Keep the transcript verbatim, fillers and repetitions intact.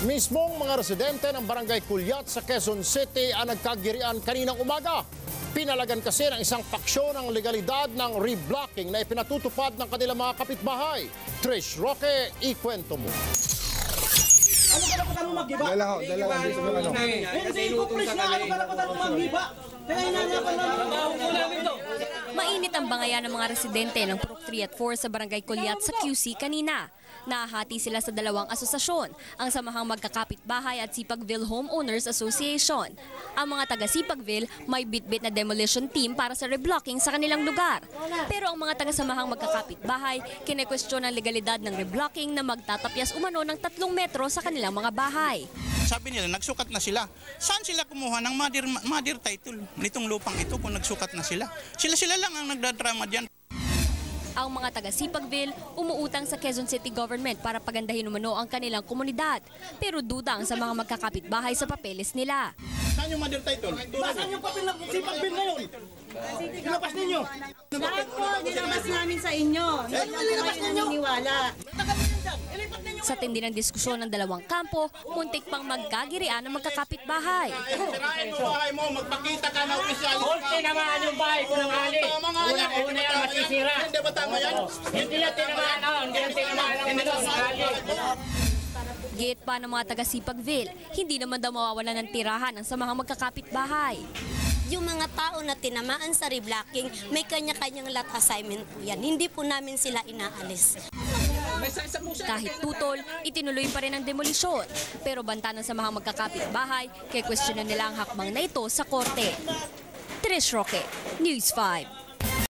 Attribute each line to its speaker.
Speaker 1: Mismong mga residente ng Barangay Kulyat sa Quezon City ang nagkagirian kaninang umaga. Pinalagan kasi ng isang paksyon ang legalidad ng reblocking na ipinatutupad ng kanilang mga kapitbahay. Trish Roque, ikwento mo.
Speaker 2: Ano karapatan mo mag-iba?
Speaker 3: Dala ho, dala ho. Dito ng ano.
Speaker 2: Hindi ko pres na ano karapatan mo mag-iba? Kaya hinanapan namin to.
Speaker 4: Mainit ang bangayan ng mga residente ng Purok three at four sa Barangay Kulyat sa Q C kanina. Nahati sila sa dalawang asosasyon, ang Samahang Magkakapitbahay at Sipagville Homeowners Association. Ang mga taga Sipagville may bitbit na demolition team para sa reblocking sa kanilang lugar. Pero ang mga taga Samahang Magkakapitbahay kinekwestiyon ang legalidad ng reblocking na magtatapyas umano ng tatlong metro sa kanilang mga bahay.
Speaker 5: Sabi nila, nagsukat na sila. Saan sila kumuha ng mother, mother title nitong lupang ito kung nagsukat na sila? Sila-sila lang ang nagdadrama dyan.
Speaker 4: Ang mga taga Sipagville umuutang sa Quezon City Government para pagandahin umano ang kanilang komunidad. Pero duda ang sa mga magkakapitbahay sa papeles nila.
Speaker 5: Saan yung mother title?
Speaker 2: Saan yung papel ng Sipagville ngayon? Kinabas ninyo?
Speaker 6: Lahat po, nilabas namin sa inyo. Hindi naman kayo naniniwala.
Speaker 4: Sa tindi ng diskusyon ng dalawang kampo, muntik pang magkagirian ng magkakapitbahay.
Speaker 5: Sirain mo bahay mo, magpakita ka na opisyal.
Speaker 7: Kung tinamaan yung bahay ko ng ali, una-una yan masisira.
Speaker 5: Hindi ba tama yan?
Speaker 7: Hindi lang tinamaan, oh, hindi lang tinamaan ang ano, ali.
Speaker 4: Gate pa ng mga taga Sipagville, hindi naman daw mawawalan ng tirahan ang samahang magkakapitbahay.
Speaker 8: Yung mga tao na tinamaan sa reblocking, may kanya-kanyang lot assignment po yan. Hindi po namin sila inaalis.
Speaker 4: Kahit tutol, itinuloy pa rin ang demolisyon. Pero banta ng samahang magkakapitbahay, kaya kwestiyonan nila ang hakbang na ito sa korte. Trish Roque, News five.